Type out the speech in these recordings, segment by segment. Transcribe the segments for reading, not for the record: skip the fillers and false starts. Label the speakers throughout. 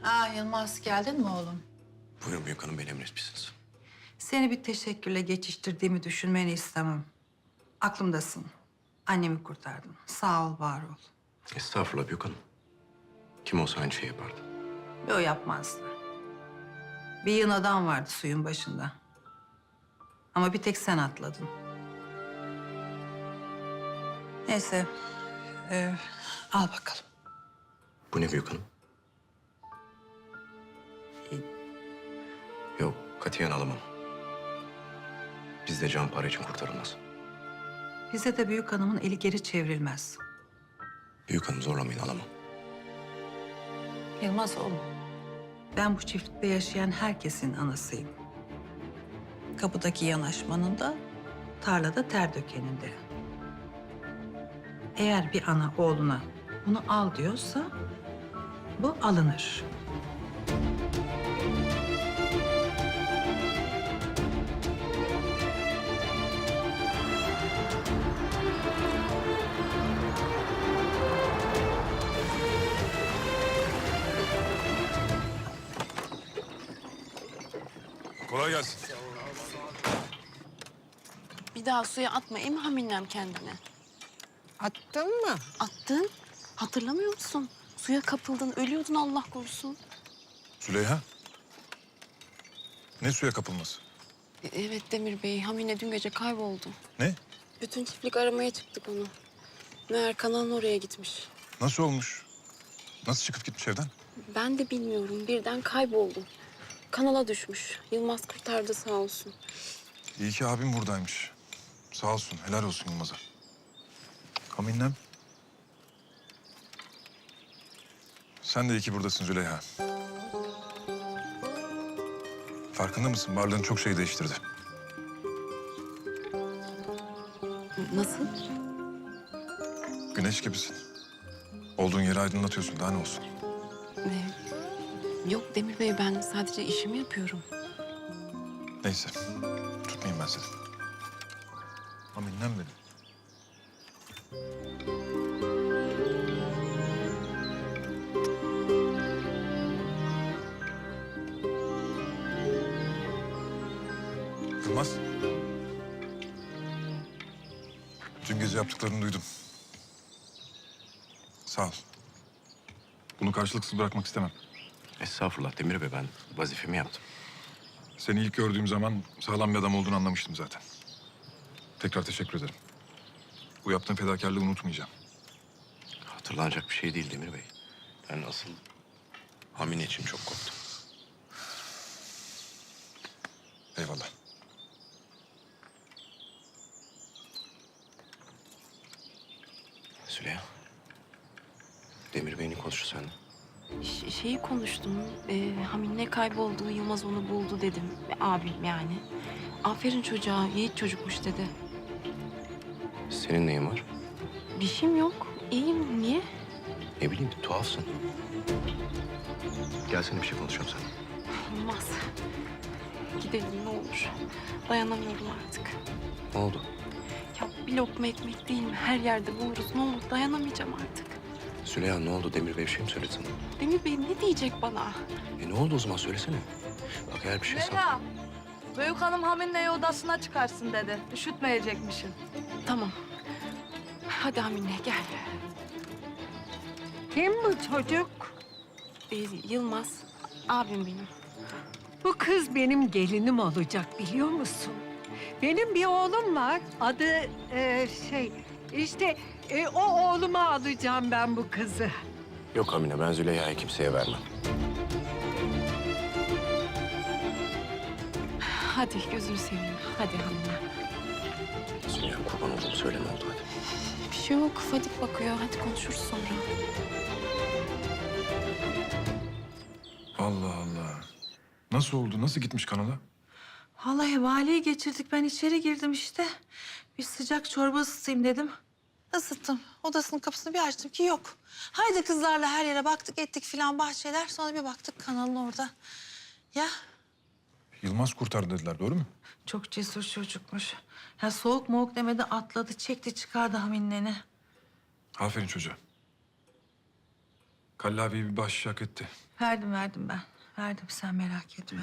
Speaker 1: Yılmaz, geldin mi oğlum?
Speaker 2: Buyurun büyük hanım, beni emretmişsiniz.
Speaker 1: Seni bir teşekkürle geçiştirdiğimi düşünmeni istemem. Aklımdasın. Annemi kurtardın. Sağ ol, var ol.
Speaker 2: Estağfurullah büyük hanım. Kim olsa aynı şeyi yapardı.
Speaker 1: Yo, yapmazdı. Bir yığın adam vardı suyun başında. Ama bir tek sen atladın. Neyse, al bakalım.
Speaker 2: Bu ne büyük hanım? Yok, katiyen alamam. Bizde can para için kurtarılmaz.
Speaker 1: Bize de büyük hanımın eli geri çevrilmez.
Speaker 2: Büyük hanım zorlamayın, alamam.
Speaker 1: Yılmaz oğlum, ben bu çiftlikte yaşayan herkesin anasıyım. Kapıdaki yanaşmanın da, tarlada ter dökenin de. Eğer bir ana oğluna bunu al diyorsa, bu alınır.
Speaker 3: Kolay gelsin.
Speaker 4: Bir daha suya atma Haminem kendini.
Speaker 5: Attın mı?
Speaker 4: Attın. Hatırlamıyor musun? Suya kapıldın, ölüyordun Allah korusun.
Speaker 3: Züleyha. Ne suya kapılması?
Speaker 4: Evet Demir Bey, Hamine dün gece kayboldu.
Speaker 3: Ne?
Speaker 4: Bütün çiftlik aramaya çıktık onu. Meğer kanalın oraya gitmiş.
Speaker 3: Nasıl olmuş? Nasıl çıkıp gitmiş evden?
Speaker 4: Ben de bilmiyorum, birden kayboldu. Kanala düşmüş. Yılmaz kurtardı sağ olsun.
Speaker 3: İyi ki abim buradaymış. Sağ olsun, helal olsun Yılmaz'a. Kaminlem. Sen de iyi ki buradasın Züleyha. Farkında mısın? Varlığın çok şey değiştirdi.
Speaker 4: Nasıl?
Speaker 3: Güneş gibisin. Olduğun yeri aydınlatıyorsun. Daha ne olsun?
Speaker 4: Yok Demir Bey, ben sadece işimi yapıyorum.
Speaker 3: Neyse. Tutmayayım ben seni. Kaminlem benim. Yılmaz. Dün gece yaptıklarını duydum. Sağ ol. Bunu karşılıksız bırakmak istemem.
Speaker 2: Estağfurullah Demir Bey, ben vazifemi yaptım.
Speaker 3: Seni ilk gördüğüm zaman sağlam bir adam olduğunu anlamıştım zaten. Tekrar teşekkür ederim. Bu yaptığın fedakarlığı unutmayacağım.
Speaker 2: Hatırlanacak bir şey değil Demir Bey. Ben asıl Hamine için çok korktum.
Speaker 3: Eyvallah.
Speaker 2: Züleyha. Demir Bey'in konuştu seninle.
Speaker 4: Şeyi konuştum. Hamine kayboldu, Yılmaz onu buldu dedim. Abim yani. Aferin çocuğa, yiğit çocukmuş dedi.
Speaker 2: Senin neyin var?
Speaker 4: Bir şeyim yok. İyiyim. Niye?
Speaker 2: Ne bileyim, tuhafsın. Gelsene bir şey konuşalım seninle.
Speaker 4: Olmaz. Gidelim ne olur. Dayanamıyorum artık.
Speaker 2: Ne oldu?
Speaker 4: Ya bir lokma ekmek değil mi? Her yerde buluruz. Ne olur dayanamayacağım artık.
Speaker 2: Züleyha ne oldu? Demir Bey bir şey mi söyledi sana?
Speaker 4: Demir Bey ne diyecek bana?
Speaker 2: Ne oldu o zaman söylesene. Bak eğer bir şey
Speaker 6: Leyla, büyük hanım Hamine'yi odasına çıkarsın dedi. Üşütmeyecekmişsin.
Speaker 4: Tamam. Hadi Hamine gel.
Speaker 5: Kim bu çocuk?
Speaker 4: Yılmaz, abim benim.
Speaker 5: Bu kız benim gelinim olacak biliyor musun? Benim bir oğlum var. Adı o oğluma alacağım ben bu kızı.
Speaker 2: Yok Hamine, ben Züleyha'yı kimseye vermem.
Speaker 4: Hadi gözünü seveyim. Hadi Hamine.
Speaker 2: Züleyha kurban olduğum söyle ne oldu hadi.
Speaker 4: Bir şey yok. Fadik bakıyor. Hadi konuşuruz sonra.
Speaker 3: Allah Allah. Nasıl oldu? Nasıl gitmiş kanala?
Speaker 1: Vallahi valiyi geçirdik. Ben içeri girdim işte. Bir sıcak çorba ısıtayım dedim. Isıttım. Odasının kapısını bir açtım ki yok. Haydi kızlarla her yere baktık ettik filan bahçeler. Sonra bir baktık kanalın orada. Ya
Speaker 3: Yılmaz kurtardı dediler, doğru mu?
Speaker 1: çok cesur çocukmuş. Ya soğuk moğuk demedi atladı çekti çıkardı Hamine'ni.
Speaker 3: Aferin çocuğa. Kallavi bir baş hak etti.
Speaker 1: Verdim ben. Verdim, sen merak etme.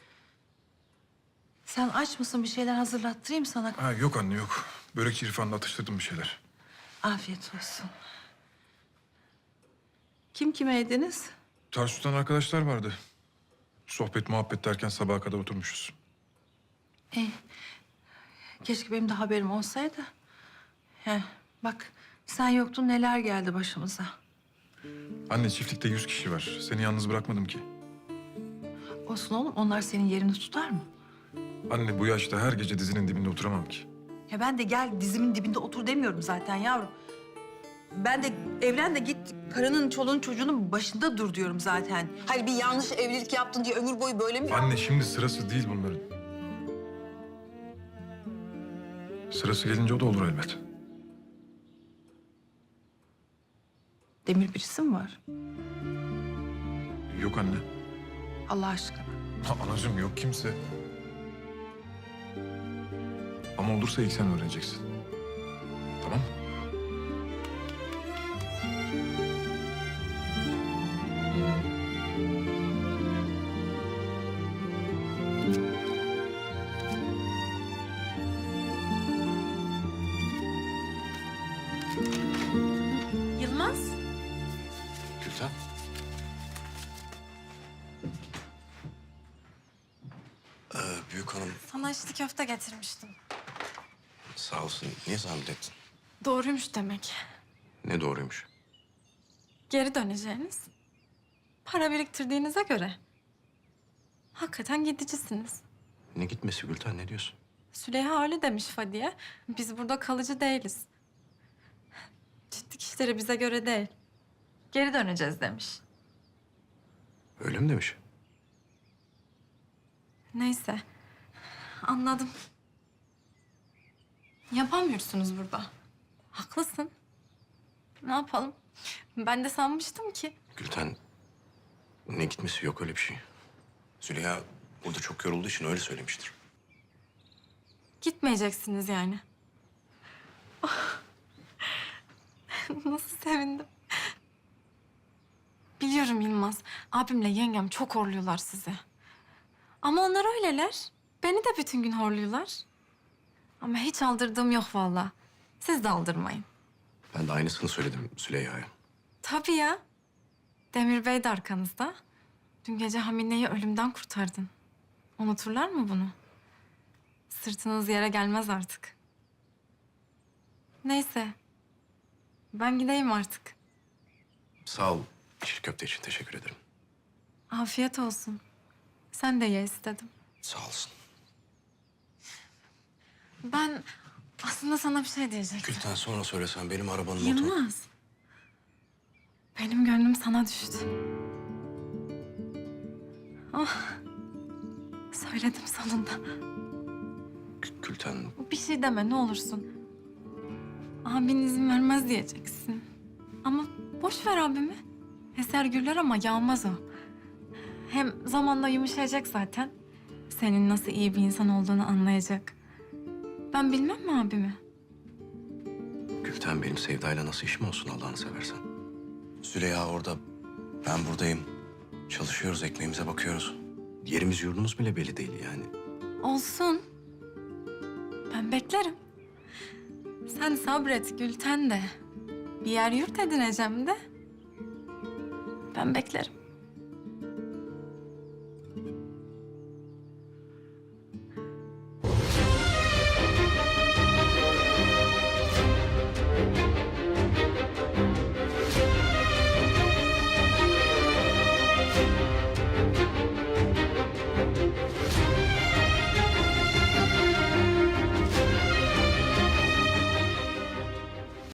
Speaker 1: Sen aç mısın? Bir şeyler hazırlattırayım sana.
Speaker 3: Ha, yok anne yok. Börekçi İrfan'la atıştırdım bir şeyler.
Speaker 1: Afiyet olsun. Kim kime yediniz?
Speaker 3: Tarsus'tan arkadaşlar vardı. Sohbet muhabbet derken sabaha kadar oturmuşuz.
Speaker 1: Keşke benim de haberim olsaydı. Bak sen yoktun, neler geldi başımıza.
Speaker 3: Anne çiftlikte 100 kişi var. Seni yalnız bırakmadım ki.
Speaker 1: Olsun oğlum, onlar senin yerini tutar mı?
Speaker 3: Anne bu yaşta her gece dizinin dibinde oturamam ki.
Speaker 1: Ya ben de gel dizimin dibinde otur demiyorum zaten yavrum. Ben de evlen de git karının, çoluğun, çocuğunun başında dur diyorum zaten. Hayır, bir yanlış evlilik yaptın diye ömür boyu böyle mi?
Speaker 3: Anne şimdi sırası değil bunların. Sırası gelince o da olur elbet.
Speaker 1: Demir birisi mi var?
Speaker 3: Yok anne.
Speaker 1: Allah aşkına.
Speaker 3: Ha, anacığım yok kimse. Ama olursa ilk sen öğreneceksin. Tamam mı?
Speaker 4: Yılmaz.
Speaker 2: Gülten. Büyük hanım
Speaker 4: Sana içli köfte getirmiştim.
Speaker 2: sağ olsun. Niye zahmet ettin?
Speaker 4: Doğruymuş demek.
Speaker 2: Ne doğruymuş.
Speaker 4: Geri döneceğiniz. Para biriktirdiğinize göre. Hakikaten gidicisiniz.
Speaker 2: Ne gitmesi Gülten, ne diyorsun?
Speaker 4: Süleyha öyle demiş Fadiye. Biz burada kalıcı değiliz. Çiftlik işleri bize göre değil. Geri döneceğiz demiş.
Speaker 2: Öyle mi demiş?
Speaker 4: Neyse. Anladım. Yapamıyorsunuz burada. Haklısın. Ne yapalım? Ben de sanmıştım ki.
Speaker 2: Gülten, ne gitmesi, yok öyle bir şey. Züleyha burada çok yorulduğu için öyle söylemiştir.
Speaker 4: Gitmeyeceksiniz yani. Ah. Nasıl sevindim. Biliyorum Yılmaz. Abimle yengem çok horluyorlar sizi. Ama onlar öyleler. Beni de bütün gün horluyorlar. Ama hiç aldırdığım yok vallahi. Siz de aldırmayın.
Speaker 2: Ben de aynısını söyledim Züleyha'ya.
Speaker 4: Tabii ya. Demir Bey de arkanızda. Dün gece Hamine'yi ölümden kurtardın. Unuturlar mı bunu? Sırtınız yere gelmez artık. Neyse. Ben gideyim artık.
Speaker 2: Sağ ol içli köfte için, teşekkür ederim.
Speaker 4: Afiyet olsun. Sen de ye istedim.
Speaker 2: Sağ olsun.
Speaker 4: Ben aslında sana bir şey diyecektim.
Speaker 2: Gülten, sonra söylesen, benim arabanın motoru.
Speaker 4: Yılmaz. Benim gönlüm sana düştü. Oh. Söyledim sonunda.
Speaker 2: Gülten,
Speaker 4: Bir şey deme ne olursun. Abin izin vermez diyeceksin. Ama boş ver abimi. Eser gürler ama yağmaz o. Hem zamanla yumuşayacak zaten. Senin nasıl iyi bir insan olduğunu anlayacak. Ben bilmem mi abimi?
Speaker 2: Gülten benim Sevda'yla nasıl işim olsun Allah'ını seversen. Züleyha orada, ben buradayım. Çalışıyoruz, ekmeğimize bakıyoruz. Yerimiz yurdumuz bile belli değil yani.
Speaker 4: Olsun. Ben beklerim. Sen sabret Gülten de. Bir yer yurt edineceğim de. Ben beklerim.